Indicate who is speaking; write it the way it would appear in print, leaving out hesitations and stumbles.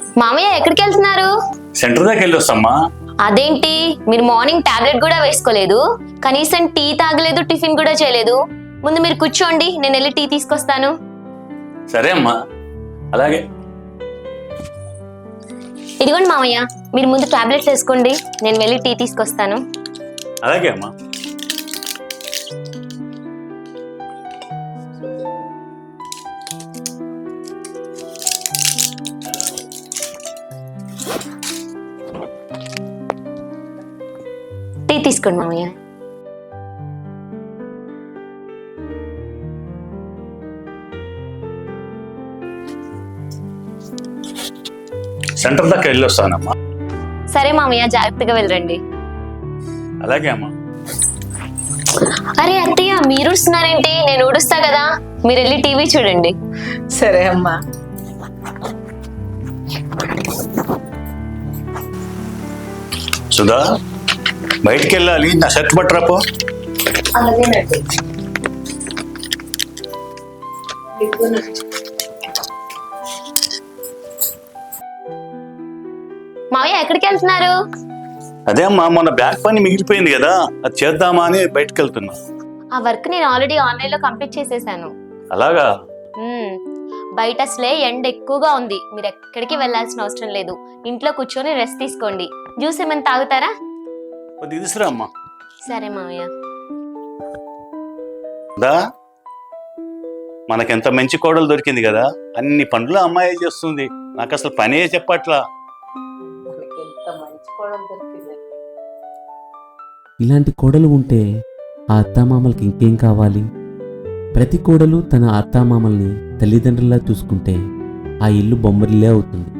Speaker 1: మామయ్య ఎక్కడికి వెళ్తున్నారు?
Speaker 2: సెంటర్ దాకా వెళ్ళి వస్తామ్మా.
Speaker 1: అదేంటి మీరు మార్నింగ్ టాబ్లెట్ కూడా వేసుకోలేదు, కనీసం టీ తాగలేదు, టిఫిన్ కూడా చేయలేదు. ముందు మీరు కూర్చోండి, నేను వెళ్ళి టీ తీసుకొస్తాను.
Speaker 2: సరే అమ్మా, అలాగే.
Speaker 1: ఇదిగోండి మామయ్య, మీరు ముందు టాబ్లెట్స్ వేసుకోండి, నేను వెళ్ళి టీ తీసుకొస్తాను.
Speaker 2: అలాగే అమ్మా.
Speaker 1: టీ తీసుకోండి మామయ్య.
Speaker 2: సెంటర్ దాకా వెళ్ళి వస్తానమ్మా.
Speaker 1: సరే మామయ్య, జాగ్రత్తగా వెళ్ళండి.
Speaker 2: అలాగే అమ్మా.
Speaker 1: అరే అత్తయ్య, మీరు ఊడుస్తున్నారేంటి? నేను ఊడుస్తా కదా, మీరు వెళ్ళి టీవీ చూడండి.
Speaker 3: సరే అమ్మా.
Speaker 2: సుధా, బయటికి వెళ్ళాలి, నా షర్ట్ పట్టరాపో.
Speaker 3: అలాగేనండి.
Speaker 1: మామయ్య ఎక్కడికి వెళ్తున్నారు?
Speaker 2: అదే అమ్మా, మొన్న బ్యాగ్ పని మిగిలిపోయింది కదా, అది చేద్దామా అని బయటకు వెళ్తున్నా.
Speaker 1: ఆ వర్క్ నేను ఆల్రెడీ ఆన్లైన్ లో కంప్లీట్ చేసేసాను.
Speaker 2: అలాగా?
Speaker 1: బయట అసలే ఎండ ఎక్కువగా ఉంది, మీరు ఎక్కడికి వెళ్ళాల్సిన అవసరం లేదు. ఇంట్లో కూర్చొని రెస్ట్ తీసుకోండి. జ్యూస్ ఏమైనా తాగుతారా?
Speaker 2: కొద్దిగా తీసురా అమ్మా.
Speaker 1: సరే మామయ్య.
Speaker 2: దా, మనకెంత మంచి కోడలు దొరికింది కదా, అన్ని పనులు అమ్మాయి చేస్తుంది. నాకు అసలు పనే చెప్పట్లా.
Speaker 4: ఇలాంటి కోడలు ఉంటే ఆ అత్తామామలకి ఇంకేం కావాలి? ప్రతి కోడలు తన అత్తామామల్ని తల్లిదండ్రులా చూసుకుంటే ఆ ఇల్లు బొమ్మరిల్లే అవుతుంది.